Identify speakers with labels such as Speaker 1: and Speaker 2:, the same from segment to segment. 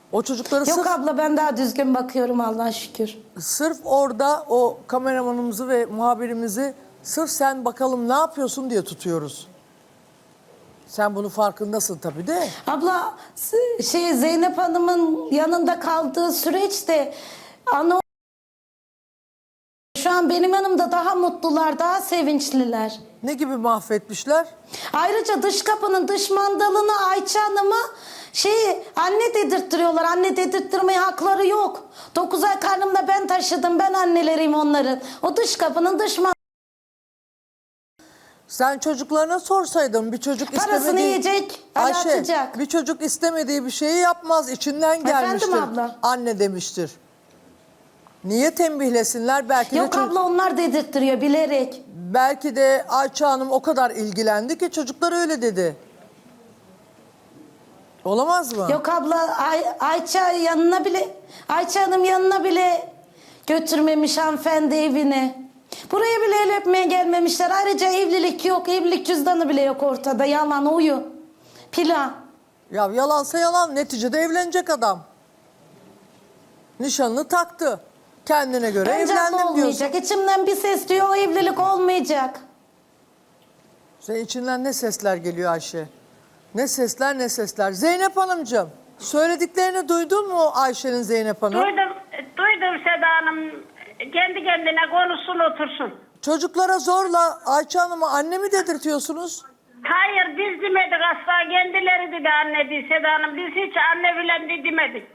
Speaker 1: O çocukları
Speaker 2: Yok abla ben daha düzgün bakıyorum Allah'a şükür.
Speaker 1: sırf orada o kameramanımızı ve muhabirimizi sırf sen bakalım ne yapıyorsun diye tutuyoruz. Sen bunun farkındasın tabii de.
Speaker 2: Abla Zeynep Hanım'ın yanında kaldığı süreçte ana şu an benim yanımda daha mutlular, daha sevinçliler.
Speaker 1: Ne gibi mahvetmişler?
Speaker 2: Ayrıca dış kapının dış mandalını Ayça Hanım'a anne dedirttiriyorlar. Anne dedirttirmeye hakları yok. 9 ay karnımda ben taşıdım. Ben anneleriyim onların. O dış kapının dış mandalını
Speaker 1: Sen çocuklarına sorsaydın bir çocuk
Speaker 2: parasını
Speaker 1: istemediği...
Speaker 2: yiyecek,
Speaker 1: Ayşe,
Speaker 2: atacak.
Speaker 1: bir çocuk istemediği bir şeyi yapmaz. İçinden gelmiştir.
Speaker 2: Efendim abla?
Speaker 1: Anne demiştir. Niye tembihlesinler? Belki
Speaker 2: Yok
Speaker 1: de
Speaker 2: abla onlar dedirttiriyor bilerek.
Speaker 1: belki de Ayça Hanım o kadar ilgilendi ki çocuklar öyle dedi. Olamaz mı?
Speaker 2: Yok abla Ayça Hanım yanına bile götürmemiş hanımefendi evine. Buraya bile el öpmeye gelmemişler. Ayrıca evlilik yok. Evlilik cüzdanı bile yok ortada. Yalan uyu. Plan.
Speaker 1: Ya yalansa yalan. Neticede evlenecek adam. Nişanını taktı. Kendine göre
Speaker 2: Bence
Speaker 1: evlendim diyorsun.
Speaker 2: olmayacak. İçimden bir ses diyor o evlilik olmayacak.
Speaker 1: Senin içinden ne sesler geliyor Ayşe? Ne sesler ne sesler. Zeynep Hanımcığım, söylediklerini duydun mu Ayşe'nin Zeynep Hanım?
Speaker 3: Duydum Seda Hanım. Kendi kendine konuşsun otursun.
Speaker 1: Çocuklara zorla Ayça Hanım'a anne mi dedirtiyorsunuz?
Speaker 3: Hayır biz demedik asla kendileri dedi anne diye Seda Hanım. Biz hiç anne bilen de demedik.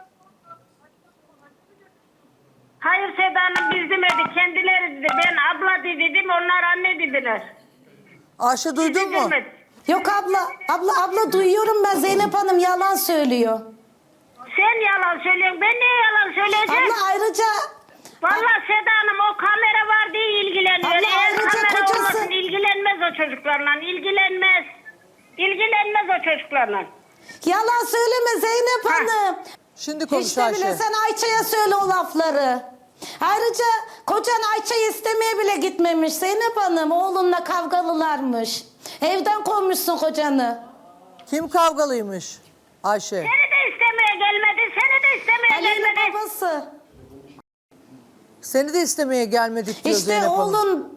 Speaker 3: Hayır Seda Hanım biz demedik kendileri dedi. Ben abla dedim onlar anne dediler.
Speaker 1: Ayşe duydun mu?
Speaker 3: Demedik.
Speaker 2: Yok abla duyuyorum ben Zeynep Hanım yalan söylüyor.
Speaker 3: Sen yalan söylüyorsun. Ben niye yalan söyleyeceğim?
Speaker 2: Abla ayrıca
Speaker 3: Vallahi Seda Hanım o kamera var diye ilgileniyor.
Speaker 2: Abla,
Speaker 3: Eğer
Speaker 2: ayrıca
Speaker 3: kamera
Speaker 2: kocası-
Speaker 3: olmasın ilgilenmez o çocuklarla. İlgilenmez. İlgilenmez o çocuklarla.
Speaker 2: yalan söyleme Zeynep
Speaker 3: Ha.
Speaker 2: Hanım.
Speaker 1: Şimdi konuş
Speaker 2: Hiç de
Speaker 1: Ayşe.
Speaker 2: bile sen Ayça'ya söyle o lafları. Ayrıca kocan Ayça'yı istemeye bile gitmemiş Zeynep Hanım. Oğlunla kavgalılarmış. Evden kovmuşsun kocanı.
Speaker 1: Kim kavgalıymış Ayşe?
Speaker 3: Seni de istemeye gelmedi. Seni de istemeye
Speaker 2: Ali'nin
Speaker 3: gelmedi.
Speaker 2: babası.
Speaker 1: Seni de istemeye gelmedik diyor
Speaker 2: İşte
Speaker 1: Zeynep Hanım.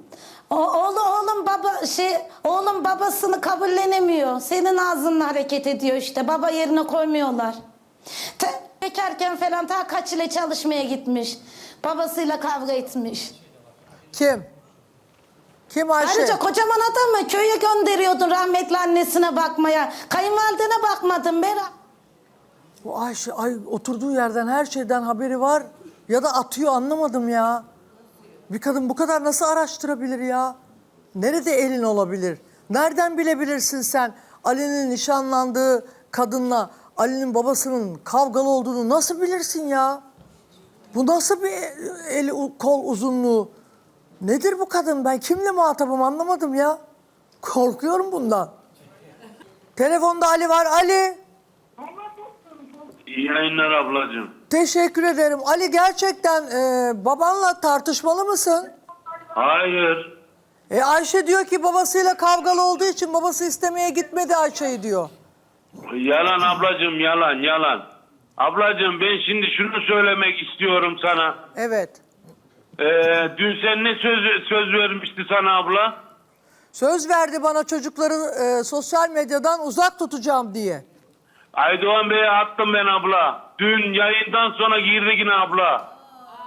Speaker 2: oğlum babasını kabullenemiyor. Senin ağzınla hareket ediyor işte. Baba yerine koymuyorlar. Bekarken falan ta kaç ile çalışmaya gitmiş. Babasıyla kavga etmiş.
Speaker 1: Kim? Kim Ayşe?
Speaker 2: Ayrıca kocaman adamı köye gönderiyordun rahmetli annesine bakmaya. Kayınvalidene bakmadın Berat.
Speaker 1: Bu Ayşe oturduğu yerden her şeyden haberi var ya da atıyor anlamadım ya. Bir kadın bu kadar nasıl araştırabilir ya? Nerede elin olabilir? Nereden bilebilirsin sen Ali'nin nişanlandığı kadınla Ali'nin babasının kavgalı olduğunu nasıl bilirsin ya? Bu nasıl bir kol uzunluğu? Nedir bu kadın? Ben kimle muhatabım anlamadım ya. Korkuyorum bundan. Telefonda Ali var. Ali.
Speaker 4: İyi yayınlar ablacığım.
Speaker 1: Teşekkür ederim. Ali gerçekten babanla tartışmalı mısın?
Speaker 4: Hayır.
Speaker 1: Ayşe diyor ki babasıyla kavgalı olduğu için babası istemeye gitmedi Ayşe'yi diyor.
Speaker 4: Yalan ablacığım yalan. Ablacığım ben şimdi şunu söylemek istiyorum sana.
Speaker 1: Evet.
Speaker 4: Dün sen ne söz vermişti sana abla?
Speaker 1: Söz verdi bana çocukları sosyal medyadan uzak tutacağım diye.
Speaker 4: Aydoğan Bey'e attım ben abla. Dün yayından sonra girdi yine abla.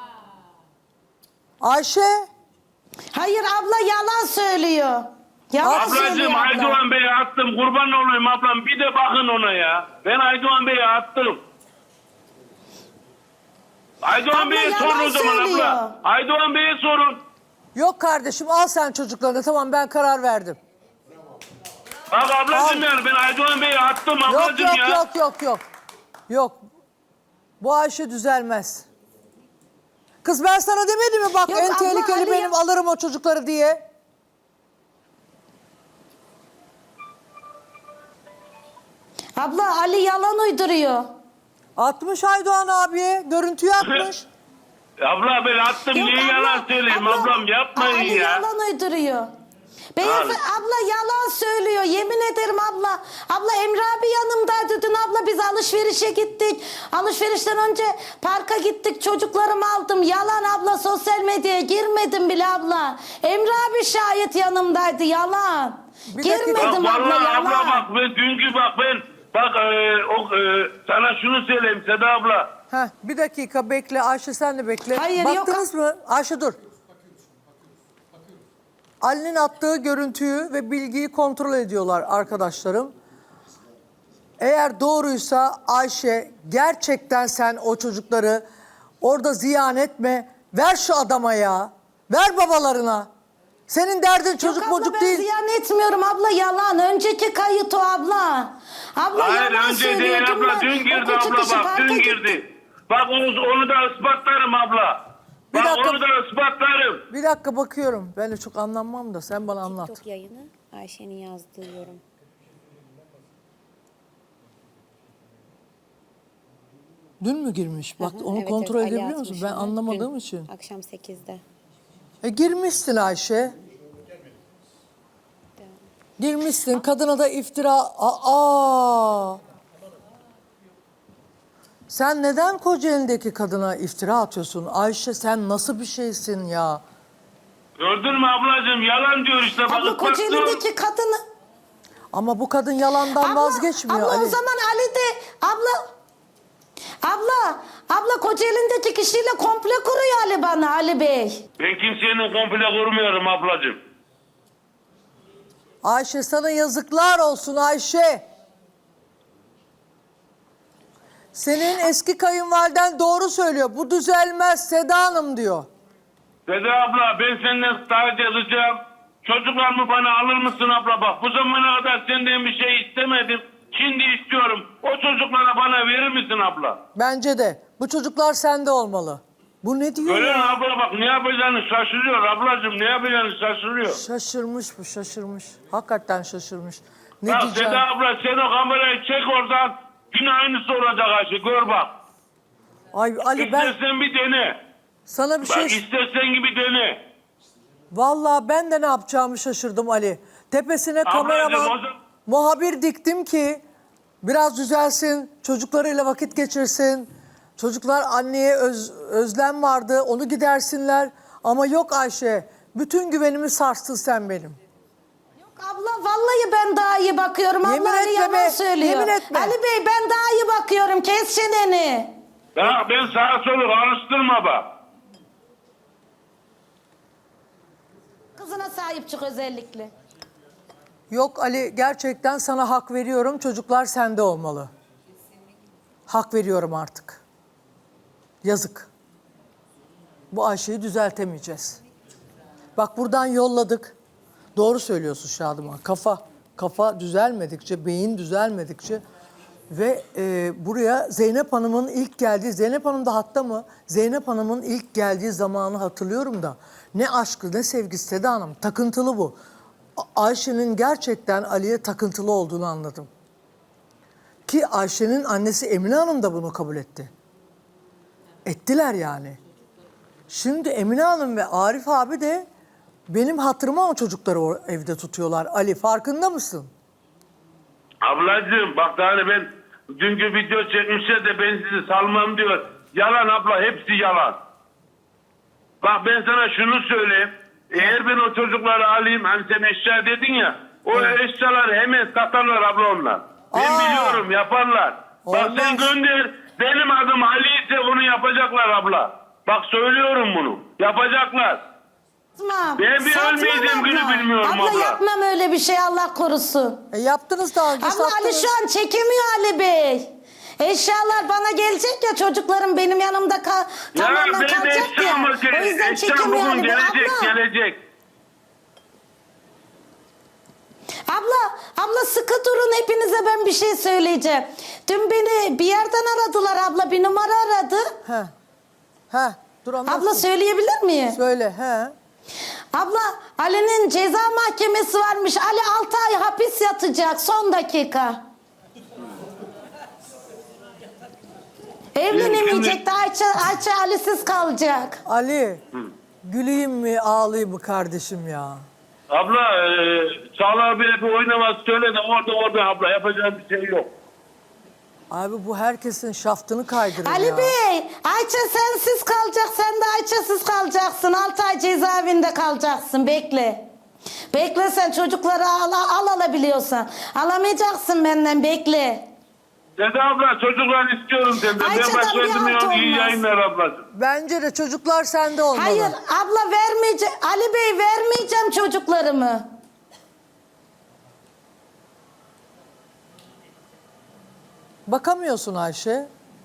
Speaker 1: Ayşe.
Speaker 2: Hayır abla yalan söylüyor. Yalan
Speaker 4: Ablacığım
Speaker 2: söylüyor abla.
Speaker 4: Aydoğan Bey'e attım. Kurban olayım ablam. Bir de bakın ona ya. Ben Aydoğan Bey'e attım. Aydoğan
Speaker 2: Abla,
Speaker 4: Bey'e
Speaker 2: yalan
Speaker 4: sorun o zaman
Speaker 2: söylüyor.
Speaker 4: abla. Aydoğan Bey'e sorun.
Speaker 1: Yok kardeşim al sen çocuklarını tamam ben karar verdim.
Speaker 4: Bak ablacığım
Speaker 1: Al.
Speaker 4: yani ben Aydoğan Bey'e attım
Speaker 1: Yok
Speaker 4: ablacığım
Speaker 1: yok
Speaker 4: ya.
Speaker 1: yok. Yok. Bu Ayşe düzelmez. Kız ben sana demedim mi bak
Speaker 2: Yok
Speaker 1: en
Speaker 2: abla,
Speaker 1: tehlikeli
Speaker 2: Ali
Speaker 1: benim alırım o çocukları diye.
Speaker 2: Abla Ali yalan uyduruyor.
Speaker 1: Atmış Aydoğan abiye görüntüyü atmış.
Speaker 4: Abla ben attım
Speaker 2: Yok
Speaker 4: niye
Speaker 2: abla,
Speaker 4: yalan söyleyeyim
Speaker 2: abla,
Speaker 4: ablam yapmayın
Speaker 2: Ali
Speaker 4: ya.
Speaker 2: yalan uyduruyor. Beyefendi abla yalan söylüyor. Yemin ederim abla. Abla Emre abi yanımdaydı dün abla. Biz alışverişe gittik. Alışverişten önce parka gittik. Çocuklarımı aldım. Yalan abla, sosyal medyaya girmedim bile abla. Emre abi şayet yanımdaydı. Yalan.
Speaker 1: Bir dakika.
Speaker 2: Girmedim
Speaker 4: Bak
Speaker 2: abla,
Speaker 4: vallahi
Speaker 2: yalan.
Speaker 4: abla bak ben dünkü sana şunu söyleyeyim Seda abla.
Speaker 1: Heh, bir dakika bekle. Ayşe sen de bekle.
Speaker 2: Hayır, yok.
Speaker 1: Baktınız mı? Ayşe dur. Ali'nin attığı görüntüyü ve bilgiyi kontrol ediyorlar arkadaşlarım. Eğer doğruysa Ayşe gerçekten sen o çocukları orada ziyan etme. Ver şu adama ya. Ver babalarına. Senin derdin çocuk
Speaker 2: Yok abla,
Speaker 1: mocuk
Speaker 2: ben
Speaker 1: değil.
Speaker 2: ziyan etmiyorum abla, yalan. Önceki kayıt o abla. Abla
Speaker 4: Hayır
Speaker 2: yalan
Speaker 4: önce değil
Speaker 2: söylüyordum
Speaker 4: abla
Speaker 2: ben.
Speaker 4: dün girdi
Speaker 2: Okul
Speaker 4: abla
Speaker 2: çıkışı
Speaker 4: bak
Speaker 2: parka
Speaker 4: dün
Speaker 2: gittik.
Speaker 4: girdi. Bak onu da ispatlarım abla.
Speaker 1: Bir
Speaker 4: Bak
Speaker 1: dakika.
Speaker 4: onu da ispatlarım.
Speaker 1: Bir dakika bakıyorum. Ben de çok anlamam da sen bana anlat.
Speaker 5: TikTok yayını Ayşe'nin yazdığı yorum.
Speaker 1: Dün mü girmiş? Bak
Speaker 5: Hı hı,
Speaker 1: onu
Speaker 5: evet,
Speaker 1: kontrol
Speaker 5: evet, Ali
Speaker 1: edebiliyor musun?
Speaker 5: atmış
Speaker 1: Ben
Speaker 5: onu.
Speaker 1: anlamadığım
Speaker 5: Dün
Speaker 1: için.
Speaker 5: Akşam 8'de.
Speaker 1: Girmişsin Ayşe. Girmişsin. Kadına da iftira. Aa! Sen neden Kocaeli'ndeki kadına iftira atıyorsun? Ayşe sen nasıl bir şeysin ya?
Speaker 4: Gördün mü ablacığım yalan diyor işte. Bak,
Speaker 2: Abla
Speaker 4: ispatlıyorum.
Speaker 2: Kocaeli'deki kadını...
Speaker 1: Ama bu kadın yalandan vazgeçmiyor
Speaker 2: abla
Speaker 1: Ali.
Speaker 2: o zaman Ali de... Abla Kocaeli'ndeki kişiyle komple kuruyor Ali bana, Ali Bey.
Speaker 4: Ben kimsenin komple kurmuyorum ablacığım.
Speaker 1: Ayşe sana yazıklar olsun Ayşe. Senin eski kayınvaliden doğru söylüyor. Bu düzelmez Seda Hanım diyor.
Speaker 4: Seda abla ben senden sadece ricam. Çocuklarımı bana alır mısın abla bak. Bu zamana kadar senden bir şey istemedim. Şimdi istiyorum. O çocuklara bana verir misin abla?
Speaker 1: Bence de. Bu çocuklar sende olmalı. Bu ne diyor
Speaker 4: Öyle mi
Speaker 1: ya?
Speaker 4: abla bak ne yapacağını şaşırıyor ablacığım. Ne yapacağını şaşırıyor.
Speaker 1: Şaşırmış bu şaşırmış. Hakikaten şaşırmış. Ne
Speaker 4: Bak
Speaker 1: diyeceğim?
Speaker 4: Seda abla sen o kamerayı çek oradan. Yine aynısı olacak Ayşe gör bak.
Speaker 1: Ay Ali ben
Speaker 4: İstersen bir dene.
Speaker 1: sana bir
Speaker 4: Bak
Speaker 1: şey...
Speaker 4: istersen gibi dene.
Speaker 1: Vallahi ben de ne yapacağımı şaşırdım Ali. Tepesine
Speaker 4: Ablacığım,
Speaker 1: kameraman,
Speaker 4: o zaman-
Speaker 1: muhabir diktim ki biraz düzelsin, çocuklarıyla vakit geçirsin. Çocuklar anneye özlem vardı, onu gidersinler. Ama yok Ayşe, bütün güvenimi sarstın sen benim.
Speaker 2: Yok abla vallahi ben daha iyi bakıyorum.
Speaker 1: Yemin
Speaker 2: Abla Ali
Speaker 1: etme
Speaker 2: yalan
Speaker 1: be,
Speaker 2: söylüyor.
Speaker 1: yemin etme.
Speaker 2: Ali Bey ben daha iyi bakıyorum. Kes çeneni.
Speaker 4: Ya ben sağa solu karıştırma bak.
Speaker 2: Kızına sahip çık özellikle.
Speaker 1: Yok Ali, gerçekten sana hak veriyorum. Çocuklar sende olmalı. Hak veriyorum artık. Yazık. Bu Ayşe'yi düzeltemeyeceğiz. Bak buradan yolladık. Doğru söylüyorsun Şadıman. Kafa düzelmedikçe, beyin düzelmedikçe ve buraya Zeynep Hanım'ın ilk geldiği, Zeynep Hanım da hatta mı? Zeynep Hanım'ın ilk geldiği zamanı hatırlıyorum da ne aşkı ne sevgisi Seda Hanım. Takıntılı bu. Ayşe'nin gerçekten Ali'ye takıntılı olduğunu anladım. Ki Ayşe'nin annesi Emine Hanım da bunu kabul etti. Ettiler yani. Şimdi Emine Hanım ve Arif abi de benim hatırıma o çocukları o evde tutuyorlar. Ali farkında mısın?
Speaker 4: Ablacığım bak hani ben dünkü video çekmişler de ben sizi salmam diyor. Yalan abla hepsi yalan. Bak ben sana şunu söyleyeyim. Eğer ben o çocukları alayım hani sen eşya dedin ya. O eşyaları hemen satarlar abla onlar. Ben biliyorum yaparlar. Bak
Speaker 1: Olmaz.
Speaker 4: sen gönder. Benim adım Ali ise onu yapacaklar abla. Bak söylüyorum bunu. Yapacaklar.
Speaker 2: Yapmam.
Speaker 4: Ben bir
Speaker 2: Satmam
Speaker 4: ölmeyeceğim günü
Speaker 2: abla.
Speaker 4: bilmiyorum abla.
Speaker 2: Yapmam öyle bir şey, Allah korusun.
Speaker 1: Yaptınız daha önce,
Speaker 2: Abla Ali
Speaker 1: sattınız.
Speaker 2: şu an çekemiyor Ali Bey. Eşyalar bana gelecek ya, çocuklarım benim yanımda
Speaker 4: Ya
Speaker 2: tamamen
Speaker 4: ben de
Speaker 2: kalacak ya.
Speaker 4: eşyam var.
Speaker 2: O yüzden
Speaker 4: Eşyam
Speaker 2: çekemiyor
Speaker 4: bugün
Speaker 2: Ali Bey.
Speaker 4: gelecek gelecek.
Speaker 2: Abla sıkı durun, hepinize ben bir şey söyleyeceğim. Dün beni bir yerden aradılar abla, bir numara aradı.
Speaker 1: Dur anlatsın.
Speaker 2: Abla söyleyebilir miyim?
Speaker 1: Söyle
Speaker 2: Abla Ali'nin ceza mahkemesi varmış. Ali 6 ay hapis yatacak son dakika. Evlenemeyecek de Ayça Ali'siz kalacak.
Speaker 1: Ali, güleyim mi ağlayayım mı kardeşim ya?
Speaker 4: Abla Çağla abiye bir oynaması söyle de orada abla yapacağım bir şey yok.
Speaker 1: Abi bu herkesin şaftını kaydırır
Speaker 2: Ali
Speaker 1: ya.
Speaker 2: Bey, Ayça sensiz kalacak, sen de Ayça'sız kalacaksın. 6 ay cezaevinde kalacaksın, bekle. Bekle sen çocukları alabiliyorsan. Alamayacaksın benden, bekle.
Speaker 4: Seda abla çocuklar istiyorum senden. Ben
Speaker 2: Ayça'dan
Speaker 4: başka
Speaker 2: bir halt
Speaker 4: ödemiyorum. İyi
Speaker 2: olmaz.
Speaker 4: yayınlar ablacığım.
Speaker 1: Bence de çocuklar sende olmalı.
Speaker 2: Hayır abla vermeyeceğim. Ali Bey vermeyeceğim çocuklarımı.
Speaker 1: Bakamıyorsun Ayşe.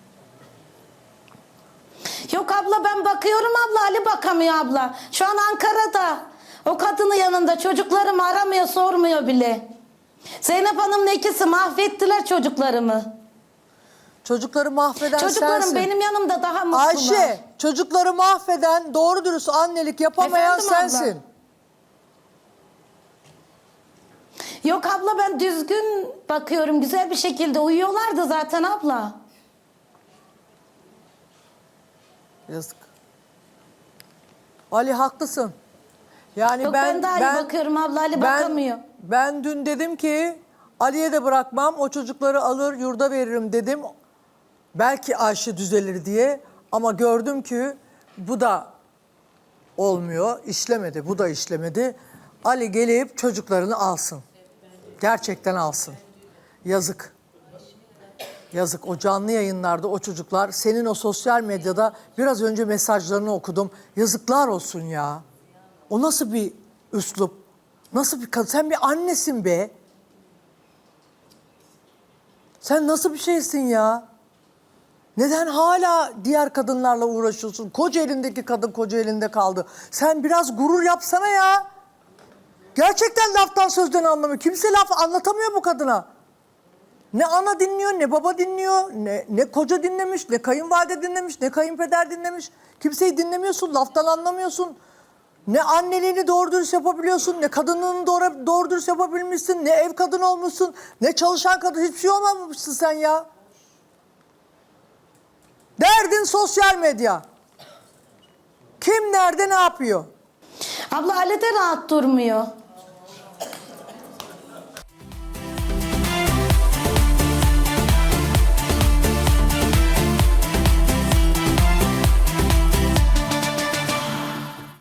Speaker 2: Yok abla ben bakıyorum abla, Ali bakamıyor abla. Şu an Ankara'da. O kadının yanında çocuklarımı aramıyor, sormuyor bile. Zeynep Hanım'ın ikisi mahvettiler çocuklarımı.
Speaker 1: Çocukları mahveden
Speaker 2: Çocuklarım
Speaker 1: sensin.
Speaker 2: benim yanımda daha mutlular.
Speaker 1: Ayşe, çocukları mahveden, doğru dürüst annelik yapamayan
Speaker 2: Efendim abla?
Speaker 1: sensin.
Speaker 2: Yok abla ben düzgün bakıyorum, güzel bir şekilde uyuyorlardı zaten abla.
Speaker 1: Yazık. Ali haklısın. Yani
Speaker 2: Yok ben daha iyi bakıyorum abla, Ali bakamıyor.
Speaker 1: Ben dün dedim ki Ali'ye de bırakmam, o çocukları alır yurda veririm dedim. Belki Ayşe düzelir diye, ama gördüm ki bu da olmuyor, işlemedi, bu da işlemedi. Ali gelip çocuklarını alsın. Gerçekten alsın. Yazık. Yazık, o canlı yayınlarda o çocuklar, senin o sosyal medyada biraz önce mesajlarını okudum. Yazıklar olsun ya. O nasıl bir üslup? Nasıl bir kadın? Sen bir annesin be. Sen nasıl bir şeysin ya? Neden hala diğer kadınlarla uğraşıyorsun? Koca elindeki kadın koca elinde kaldı. Sen biraz gurur yapsana ya. Gerçekten laftan sözden anlamıyor. Kimse laf anlatamıyor bu kadına. Ne ana dinliyor, ne baba dinliyor, ne koca dinlemiş, ne kayınvalide dinlemiş, ne kayınpeder dinlemiş. Kimseyi dinlemiyorsun, laftan anlamıyorsun. Ne anneliğini doğru dürüst yapabiliyorsun, ne kadınlığını doğru dürüst yapabilmişsin, ne ev kadını olmuşsun, ne çalışan kadın, hiçbir şey olmamışsın sen ya. Derdin sosyal medya. Kim nerede ne yapıyor?
Speaker 2: Abla Ali de rahat durmuyor.